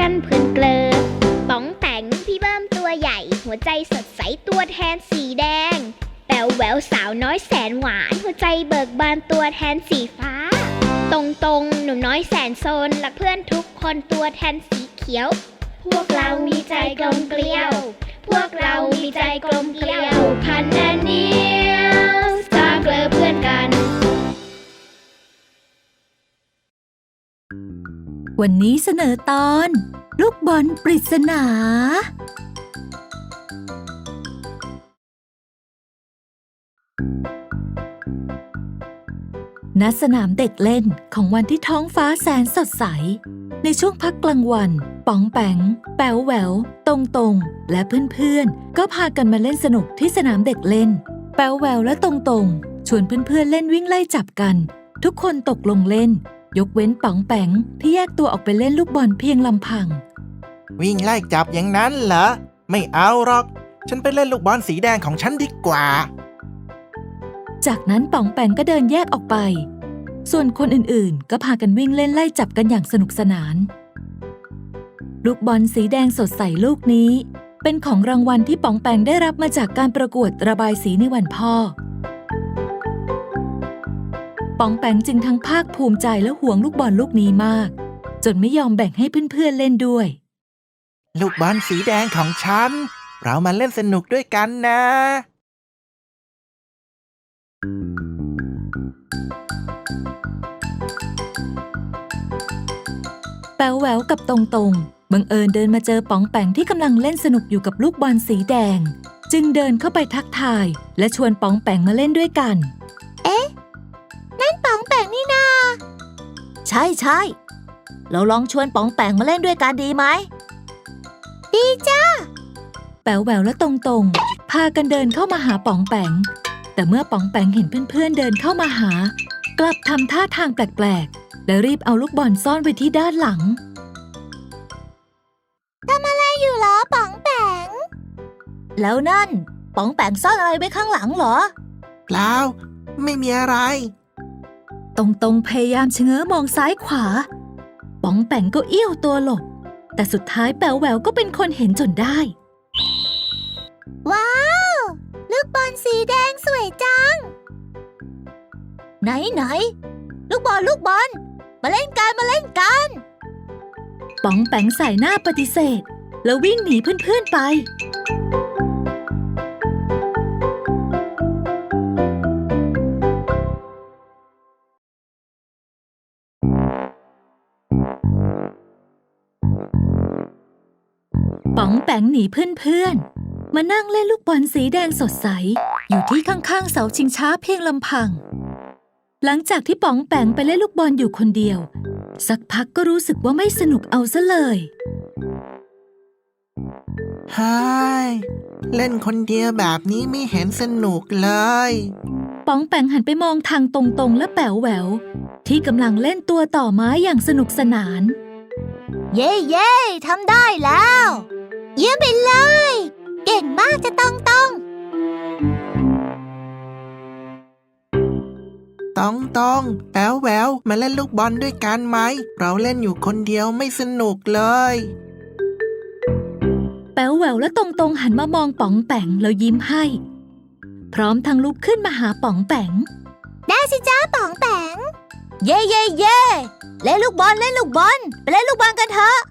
กันเพลินเกลอป๋องแปงพี่เบิ้มตัวใหญ่หัวใจสดใสตัวแทนสีแดงแป๋วแหววสาวน้อยแสนหวานหัวใจเบิกบานตัวแทนสีฟ้าตรงหนุ่มน้อยแสนโซนรักเพื่อนทุกคนตัวแทนสีเขียวพวกเรามีใจกลมเกลียวพวกเรามีใจกลมเกลียวพันแน่นเหนียวสร้างเกลอเพื่อนกันวันนี้เสนอตอนลูกบอลปริศนาณ สนามเด็กเล่นของวันที่ท้องฟ้าแสนสดใสในช่วงพักกลางวันป๋องแปงแป๋วแหววตรงและเพื่อนๆก็พากันมาเล่นสนุกที่สนามเด็กเล่นแป๋วแหววและตรงชวนเพื่อนๆเล่นวิ่งไล่จับกันทุกคนตกลงเล่นยกเว้นป๋องแปงที่แยกตัวออกไปเล่นลูกบอลเพียงลำพังวิ่งไล่จับอย่างนั้นเหรอไม่เอาหรอกฉันไปเล่นลูกบอลสีแดงของฉันดีกว่าจากนั้นป๋องแปงก็เดินแยกออกไปส่วนคนอื่นๆก็พากันวิ่งเล่นไล่จับกันอย่างสนุกสนานลูกบอลสีแดงสดใสลูกนี้เป็นของรางวัลที่ป๋องแปงได้รับมาจากการประกวดระบายสีในวันพ่อป๋องแปงจึงทั้งภาคภูมิใจและหวงลูกบอลลูกนี้มากจนไม่ยอมแบ่งให้เพื่อนๆเล่นด้วยลูกบอลสีแดงของฉันเรามาเล่นสนุกด้วยกันนะแป๋วแหววกับตรงบังเอิญเดินมาเจอป๋องแปงที่กำลังเล่นสนุกอยู่กับลูกบอลสีแดงจึงเดินเข้าไปทักทายและชวนป๋องแปงมาเล่นด้วยกันนั่นป๋องแปงนี่นาใช่เราลองชวนป๋องแปงมาเล่นด้วยกันดีไหมดีจ้าแป๋วแหววและตรงพากันเดินเข้ามาหาป๋องแปงแต่เมื่อป๋องแปงเห็นเพื่อนๆเดินเข้ามาหากลับทำท่าทางแปลกๆและรีบเอาลูกบอลซ่อนไว้ที่ด้านหลังทำอะไรอยู่เหรอป๋องแปงแล้วนั่นป๋องแปงซ่อนอะไรไว้ข้างหลังเหรอเปล่าไม่มีอะไรตรงพยายามชะเง้อมองซ้ายขวาป๋องแปงก็เอี้ยวตัวหลบแต่สุดท้ายแป๋วแหววก็เป็นคนเห็นจนได้ว้าวลูกบอลสีแดงสวยจังไหนลูกบอลมาเล่นกันป๋องแปงใส่หน้าปฏิเสธแล้ววิ่งหนีเพื่อนๆไปป๋องแปงหนีเพื่อนๆมานั่งเล่นลูกบอลสีแดงสดใสอยู่ที่ข้างๆเสาชิงช้าเพียงลำพังหลังจากที่ป๋องแปงไปเล่นลูกบอลอยู่คนเดียวสักพักก็รู้สึกว่าไม่สนุกเอาซะเลยเฮ้ยเล่นคนเดียวแบบนี้ไม่เห็นสนุกเลยป๋องแปงหันไปมองทางตรงและแป๋วแหววที่กำลังเล่นตัวต่อไม้อย่างสนุกสนานเย้ทำได้แล้วเยี่ยมไปเลยเก่งมากจะตรงแป๋วแหววมาเล่นลูกบอลด้วยกันไหมเราเล่นอยู่คนเดียวไม่สนุกเลยแป๋วแหววและตรงหันมามองป๋องแปงแล้วยิ้มให้พร้อมทั้งลุกขึ้นมาหาป๋องแปงได้สิจ้าป๋องแปงเย้เล่นลูกบอลไปเล่นลูกบอลกันเถอะ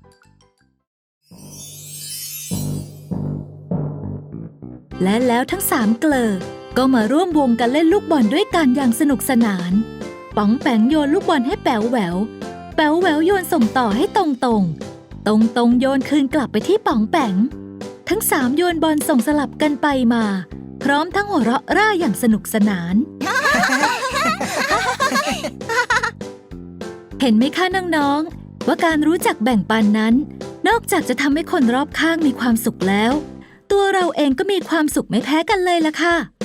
และแล้วทั้ง3เกลอก็มาร่วมวงกันเล่นลูกบอลด้วยกันอย่างสนุกสนานป๋องแปงโยนลูกบอลให้แป๋วแหววโยนส่งต่อให้ตรงโยนคืนกลับไปที่ป๋องแปงทั้ง3โยนบอลส่งสลับกันไปมาพร้อมทั้งหัวเราะร่าอย่างสนุกสนาน เห็นไหมคะน้องๆว่าการรู้จักแบ่งปันนั้นนอกจากจะทำให้คนรอบข้างมีความสุขแล้วตัวเราเองก็มีความสุขไม่แพ้กันเลยล่ะค่ะ